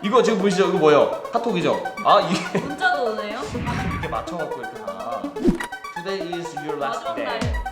이거 지금 보이시죠? 이거 뭐예요? 카톡이죠? 아 이게 문자도 오네요? 이렇게 맞춰갖고 이렇게 다. Today is your last 마지막 day. 날.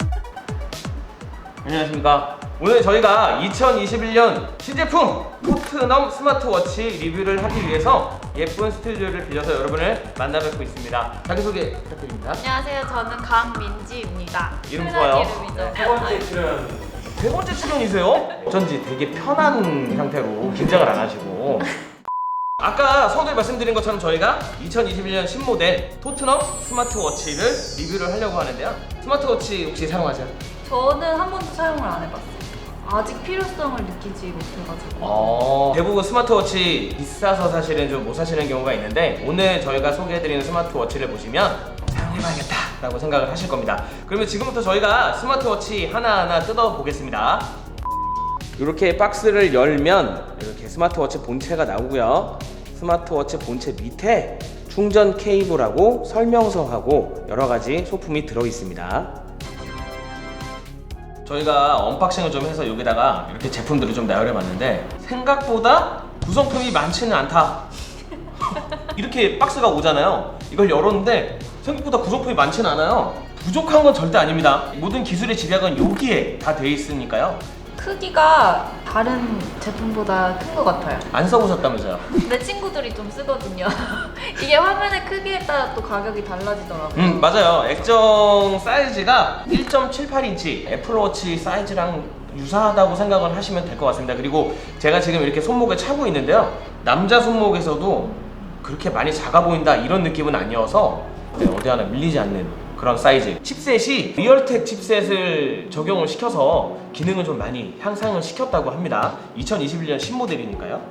안녕하십니까. 오늘 저희가 2021년 신제품 토트넘 스마트워치 리뷰를 하기 위해서 예쁜 스튜디오를 빌려서 여러분을 만나뵙고 있습니다. 자기소개 부탁드립니다. 안녕하세요. 저는 강민지입니다. 이름 흔한 좋아요. 이름이죠. 세 번째 출연. 세 번째 출연이세요? 어쩐지 되게 편한 상태로 긴장을 안 하시고. 아까 서두에 말씀드린 것처럼 저희가 2021년 신모델 토트넘 스마트워치를 리뷰를 하려고 하는데요. 스마트워치 혹시 사용하세요? 저는 한 번도 사용을 안 해봤어요. 아직 필요성을 느끼지 못해가지고. 대부분 스마트워치 비싸서 사실은 좀 못 사시는 경우가 있는데 오늘 저희가 소개해드리는 스마트워치를 보시면 사용해봐야겠다 라고 생각을 하실 겁니다. 그러면 지금부터 저희가 스마트워치 하나하나 뜯어보겠습니다. 이렇게 박스를 열면 이렇게 스마트워치 본체가 나오고요. 스마트워치 본체 밑에 충전 케이블하고 설명서하고 여러가지 소품이 들어있습니다. 저희가 언박싱을 좀 해서 여기다가 이렇게 제품들을 좀 나열해봤는데 생각보다 구성품이 많지는 않다. 이렇게 박스가 오잖아요. 이걸 열었는데 생각보다 구성품이 많지는 않아요. 부족한 건 절대 아닙니다. 모든 기술의 집약은 여기에 다 돼 있으니까요. 크기가 다른 제품보다 큰 것 같아요. 안 써보셨다면서요? 내 친구들이 좀 쓰거든요. 이게 화면의 크기에 따라 또 가격이 달라지더라고요. 맞아요. 액정 사이즈가 1.78인치 애플워치 사이즈랑 유사하다고 생각을 하시면 될 것 같습니다. 그리고 제가 지금 이렇게 손목에 차고 있는데요. 남자 손목에서도 그렇게 많이 작아 보인다 이런 느낌은 아니어서 어디 하나 밀리지 않는 그런 사이즈. 칩셋이 리얼텍 칩셋을 적용을 시켜서 기능을 좀 많이 향상을 시켰다고 합니다. 2021년 신모델이니까요.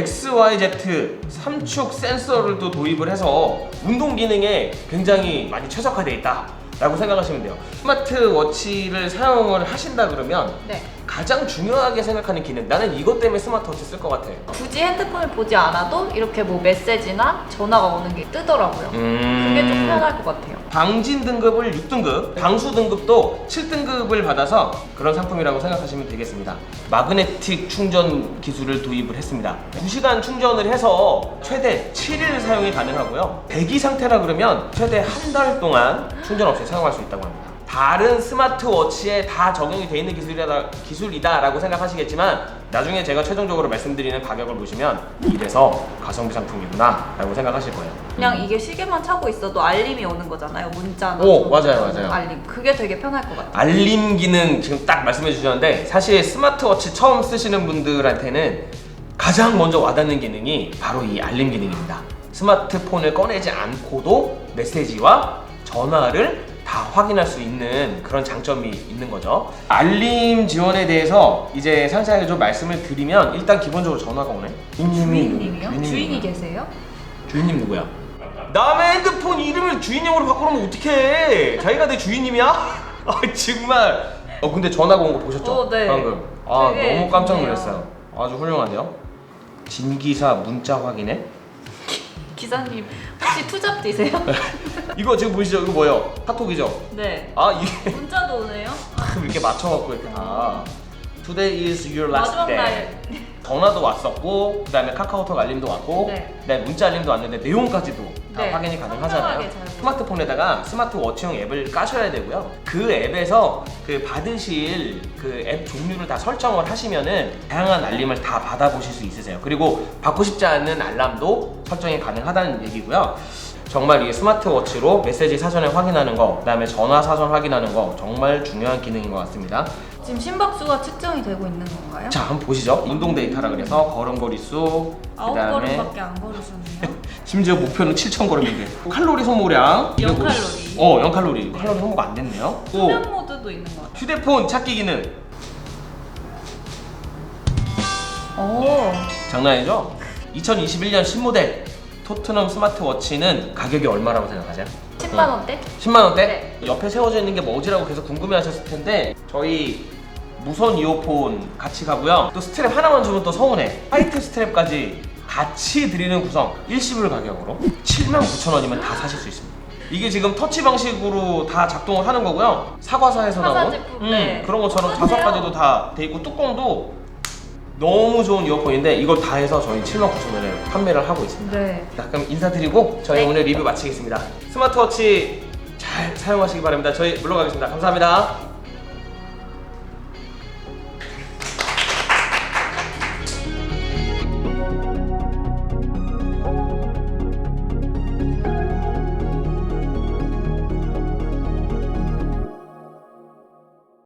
XYZ 3축 센서를 또 도입을 해서 운동 기능에 굉장히 많이 최적화되어 있다 라고 생각하시면 돼요. 스마트워치를 사용을 하신다 그러면 네. 가장 중요하게 생각하는 기능, 나는 이것 때문에 스마트워치 쓸 것 같아. 굳이 핸드폰을 보지 않아도 이렇게 뭐 메시지나 전화가 오는 게 뜨더라고요. 그게 좀 편할 것 같아요. 방진 등급을 6등급, 방수 등급도 7등급을 받아서 그런 상품이라고 생각하시면 되겠습니다. 마그네틱 충전 기술을 도입을 했습니다. 2시간 충전을 해서 최대 7일 사용이 가능하고요. 대기 상태라 그러면 최대 한 달 동안 충전 없이 사용할 수 있다고 합니다. 다른 스마트워치에 다 적용이 되어 있는 기술이다라고 생각하시겠지만 나중에 제가 최종적으로 말씀드리는 가격을 보시면 이래서 가성비 상품이구나 라고 생각하실 거예요. 그냥 이게 시계만 차고 있어도 알림이 오는 거잖아요. 문자나 맞아요. 알림. 그게 되게 편할 것 같아요. 알림 기능 지금 딱 말씀해 주셨는데 사실 스마트워치 처음 쓰시는 분들한테는 가장 먼저 와닿는 기능이 바로 이 알림 기능입니다. 스마트폰을 꺼내지 않고도 메시지와 전화를 다 확인할 수 있는 그런 장점이 있는 거죠. 알림 지원에 대해서 이제 상세하게 좀 말씀을 드리면 일단 기본적으로 전화가 오네. 주인님이요? 주인이 계세요? 주인님 누구야? 남의 핸드폰 이름을 주인님으로 바꾸면 어떡해? 자기가 내 주인님이야? 아 정말. 근데 전화가 온 거 보셨죠? 네. 방금. 너무 깜짝 놀랐어요. 아주 훌륭한데요. 진기사 문자 확인해. 기사님 혹시 투잡 뛰세요? 이거 지금 보이시죠? 이거 뭐예요? 카톡이죠? 네. 이게 문자도 오네요? 이렇게 맞춰갖고 이렇게 다. Today is your last 마지막 day. 날. 전화도 왔었고, 그다음에 카카오톡 알림도 왔고, 네. 그다음에 문자 알림도 왔는데 내용까지도 다 네. 확인이 가능하잖아요. 상세하게 잘 스마트폰에다가 스마트워치용 앱을 까셔야 되고요. 그 앱에서 그 받으실 그 앱 종류를 다 설정을 하시면은 다양한 알림을 다 받아보실 수 있으세요. 그리고 받고 싶지 않은 알람도 설정이 가능하다는 얘기고요. 정말 이 스마트워치로 메시지 사전에 확인하는 거, 그다음에 전화 사전 확인하는 거 정말 중요한 기능인 것 같습니다. 지금 심박수가 측정이 되고 있는 건가요? 자, 한번 보시죠. 운동 데이터라 그래서 걸음걸이 수, 9걸음밖에 안 걸으셨네요. 심지어 목표는 7,000걸음인데 칼로리 소모량 0칼로리. 0칼로리. 칼로리 소모가 안 됐네요. 수면 모드도 있는 것 같아요. 휴대폰 찾기 기능. 오. 장난 아니죠? 2021년 신모델 토트넘 스마트워치는 가격이 얼마라고 생각하세요? 10만 원대? 10만 원대? 옆에 세워져 있는 게 뭐지라고 계속 궁금해하셨을 텐데 저희 무선 이어폰 같이 가고요. 또 스트랩 하나만 주면 또 서운해. 화이트 스트랩까지 같이 드리는 구성 일시불 가격으로 79,000원이면 다 사실 수 있습니다. 이게 지금 터치 방식으로 다 작동을 하는 거고요. 사과사에서 사과 나온 제품, 네. 그런 것처럼 똑같아요. 자석까지도 다 돼 있고 뚜껑도 너무 좋은 이어폰인데 이걸 다 해서 저희 79,000원에 판매를 하고 있습니다. 네. 자, 그럼 인사드리고 저희 네. 오늘 리뷰 마치겠습니다. 스마트워치 잘 사용하시기 바랍니다. 저희 물러가겠습니다. 감사합니다.